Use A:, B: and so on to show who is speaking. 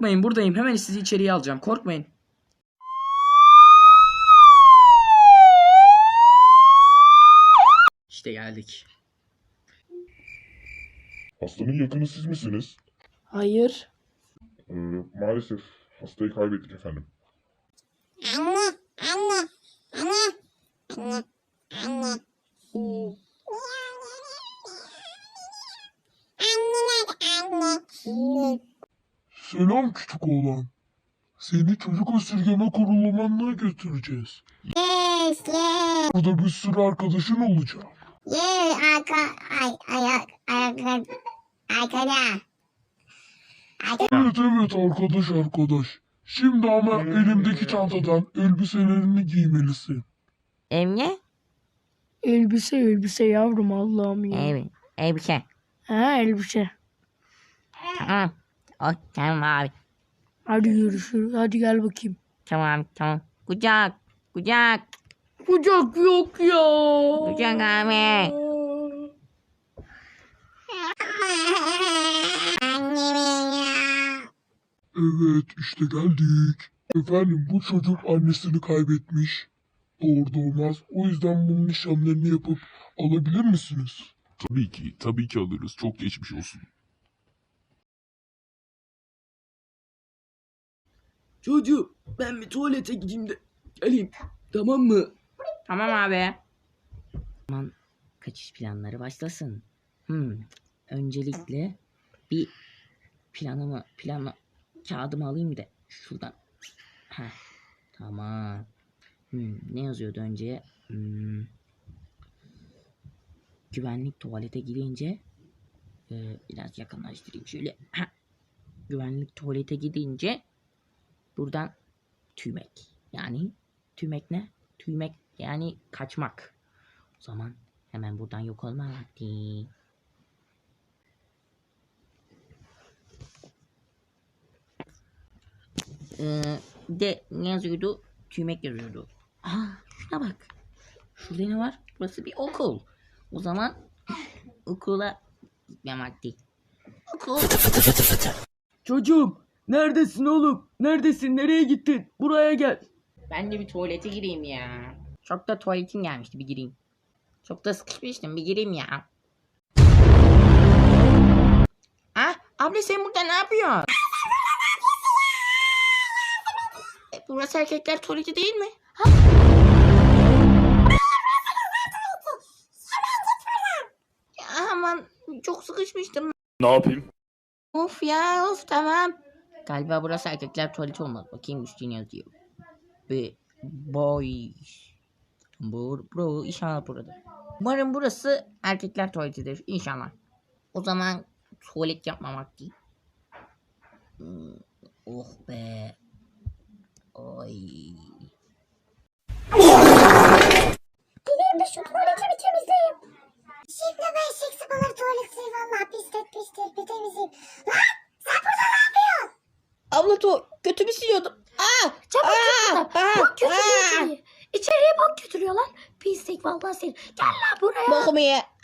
A: Korkmayın, buradayım. Hemen sizi içeriye alacağım. Korkmayın. İşte geldik.
B: Hastanın yakını siz misiniz?
C: Hayır.
B: Maalesef hastayı kaybettik efendim.
D: Selam küçük oğlan. Seni çocuk esirgeme kurulumuna götüreceğiz.
E: Yes, yes.
D: Burada bir sürü arkadaşın olacak.
E: Yes, arkada.
D: Evet arkadaş. Şimdi ama elimdeki çantadan elbiselerini giymelisin.
F: Ne?
C: Elbise yavrum, Allah'ım ya.
F: Elbise.
C: Ha, elbise.
F: Tamam. Tamam abi.
C: Hadi görüşürüz. Hadi gel bakayım.
F: Tamam. Kucak.
C: Kucak yok ya.
F: Kucak abi.
D: Evet işte geldik. Efendim bu çocuk annesini kaybetmiş. Doğru doğmaz. O yüzden bunun işlemlerini yapıp alabilir misiniz?
B: Tabii ki alırız. Çok geçmiş olsun.
A: Çocuğum, ben bir tuvalete gideyim de geleyim. Tamam mı?
F: Tamam abi. Aman kaçış planları başlasın. Öncelikle bir planı kağıdımı alayım da şuradan. Tamam. Ne yazıyordu önce? Güvenlik tuvalete gidince biraz yakınlaştırayım şöyle. Güvenlik tuvalete gidince buradan tüymek. Yani tüymek ne? Tüymek yani kaçmak. O zaman hemen buradan yok olma vakti. De ne yazıyordu? Tüymek yazıyordu. Şuna bak. Şurada ne var? Burası bir okul. O zaman okula gitmem vakti. Okul.
A: Çocuğum, neredesin oğlum? Neredesin? Nereye gittin? Buraya gel.
F: Ben de bir tuvalete gireyim ya. Çok da tuvaletim gelmişti, bir gireyim. Çok da sıkışmıştım, bir gireyim ya. Abla sen burada ne yapıyorsun? Burası erkekler tuvaleti değil mi? Aman çok sıkışmıştım.
B: Ne yapayım?
F: Of tamam. Galiba burası erkekler tuvaleti olmalı. Bakayım üstüne yazıyor. Boy. Bro inşallah burada. Umarım burası erkekler tuvaletidir inşallah. O zaman tuvalet yapmamak değil. Oh be. Oy.
E: Gideyim de şu tuvaletimi temizleyeyim. Şimdi ben seksi balık tuvaletini valla pisletmiştir bir temizleyeyim. Lan sen burada ne yapıyorsun?
F: Abla götümü siliyordum.
C: Çabuk götürüyorlar. İçeriye bak götürüyorlar. Pislik vallahi seni. Gel lan buraya.
F: Bokumu ye.